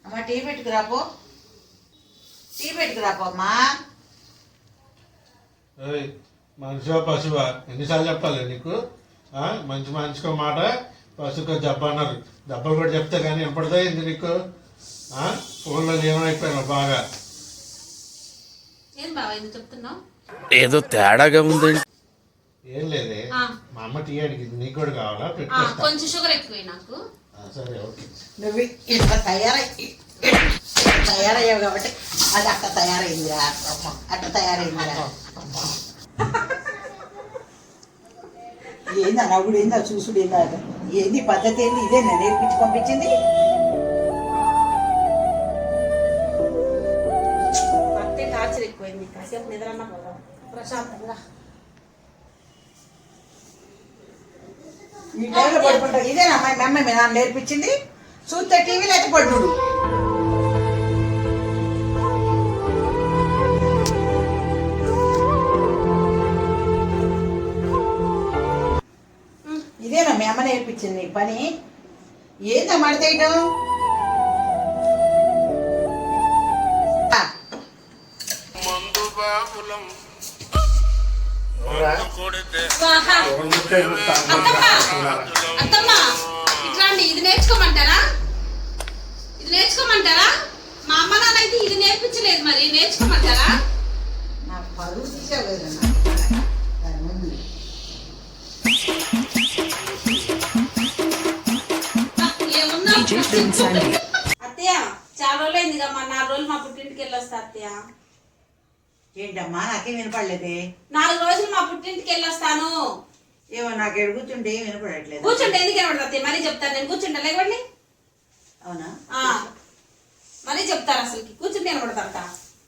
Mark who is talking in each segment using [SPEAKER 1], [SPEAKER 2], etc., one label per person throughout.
[SPEAKER 1] అమ్మ tea పెట్టుకురాపో, tea పెట్టుకురాపో అమ్మా.
[SPEAKER 2] మనిషివా పశువా ఎన్నిసార్లు చెప్పాలి నీకు? మంచి మనిషికో మాట, పశువుకో జబ్బ అన్నారు. దెబ్బలు కూడా చెప్తే కానీ ఎప్పటిదో ఏంది నీకు? ఫోన్లో ఏమైపోయినావు బాగా.
[SPEAKER 3] ఏదో తేడాగా ఉందండి.
[SPEAKER 2] ఏం లేదే, మా అమ్మ టీ అడిగింది, నీకు కూడా కావాలా? పెట్టుకో.
[SPEAKER 4] కొంచెం షుగర్ ఎక్కువ నాకు.
[SPEAKER 2] సరే ఓకే.
[SPEAKER 1] నువ్వు ఇంత తయారయ్యావు కాబట్టి అది అట్ట తయారైందిరా, అట్ట తయారైందిరా. ఏంది నవ్వుడు, ఏందా చూసుడు, ఏందా ఏంది పద్ధతి, ఏంది ఇదేనా నేర్పించి పంపించింది?
[SPEAKER 4] పత్తే టార్చర్ ఎక్కువైంది, కాసేపు నిద్రన్నా ప్రశాంతంగా.
[SPEAKER 1] ఈ టైంలో పడుకుంటావు, ఇదేనా మా అమ్మ మీ నాన్న నేర్పించింది? చూస్తే టీవీలో అయితే పడుడు. ఇదేనా మీ అమ్మ నేర్పించింది నీకు పని? ఏందా మడతేయటం?
[SPEAKER 4] అత్తమ్మ ఇట్లాంటి ఇది నేర్చుకోమంటారా? ఇది నేర్చుకోమంటారా? మా అమ్మ నాన్న అయితే ఇది నేర్పించలేదు, మరి నేర్చుకోమంటారా?
[SPEAKER 1] నాకు పరువు తీసావు కదా దాని ముందు.
[SPEAKER 4] అత్తయ్య చాలా రోజులైంది కమ్మా, 4 రోజులు మా పుట్టింటికి వెళ్ళొస్తా అత్తయ్య.
[SPEAKER 1] ఏంటమ్మా నాకేం వినపడలేదే?
[SPEAKER 4] 4 రోజులు మా పుట్టింటికి వెళ్ళొస్తాను.
[SPEAKER 1] ఏమో నాకు ఎడుగుతుంటే ఏం వినపడట్లేదు.
[SPEAKER 4] కూర్చుంటే ఎందుకు వినపడతా అత్తయ్య? మరీ చెప్తాను నేను, కూర్చుంటా లేకండి.
[SPEAKER 1] అవునా?
[SPEAKER 4] మరీ చెప్తారు అసలుకి, కూర్చుంటే వినపడతా.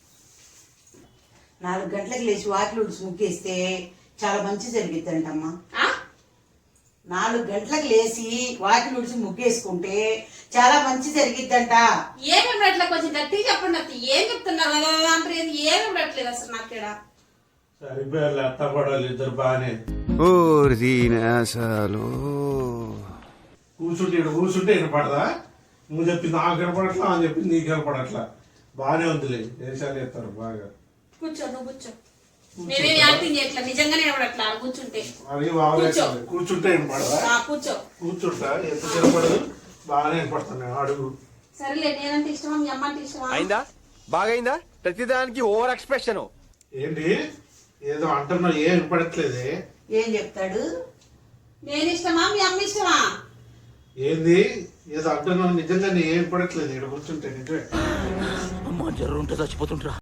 [SPEAKER 1] 4 గంటలకు లేచి వాకిలు ఉడిచి ముగ్గేస్తే చాలా మంచి జరిగిద్దంటమ్మా. 4 గంటలకు లేచి వాకిలు ఉడిచి ముగ్గేసుకుంటే చాలా మంచి జరిగిద్దంట.
[SPEAKER 4] ఏమేమి అట్లా కొంచెం గట్టిగా చెప్పండి అత్తయ్య. ఏం చెప్తున్నారు అంటే ఏమేమి పెట్టలేదు అసలు నాకేడ.
[SPEAKER 2] సరిపోయారు అత్త పడాలి ఇద్దరు బాగానే. కూర్చుంటే వినపడదా? నువ్వు చెప్పింది నాకు వినపడట్లా, అని చెప్పింది నీకు వినపడట్లా. బాగానే ఉందిలే, దేశాలు ఎత్తారు బాగా.
[SPEAKER 4] కూర్చో, నువ్వు కూర్చో. మేమేం యాక్టింగ్ చేయట్లా, నిజంగానే వినపడట్లా. కూర్చుంటే
[SPEAKER 2] కూర్చుంటే వినపడదా?
[SPEAKER 4] కూర్చో.
[SPEAKER 2] కూర్చుంటా, ఎంత వినపడదు, బాగానే వినపడుతున్నాయి. అడుగు.
[SPEAKER 4] సరేలే, నేనంటే ఇష్టమా, మీ అమ్మ అంటే ఇష్టమా?
[SPEAKER 3] అయిందా? బాగైందా? ప్రతిదానికి ఓవర్ ఎక్స్ప్రెషన్.
[SPEAKER 2] ఏంటి ఏదో అంటున్నావు, ఏం వినపడట్లేదే?
[SPEAKER 1] ఏం చెప్తాడు?
[SPEAKER 4] నేను ఇష్టమా, మీ అమ్మ ఇష్టమా?
[SPEAKER 2] ఏంది ఏదో అంటున్నావు, నిజంగా ఏం వినపడట్లేదు. ఇక్కడ కూర్చుంటే నిజమే.
[SPEAKER 3] అమ్మ జర్రు ఉంటే చచ్చిపోతుంటా.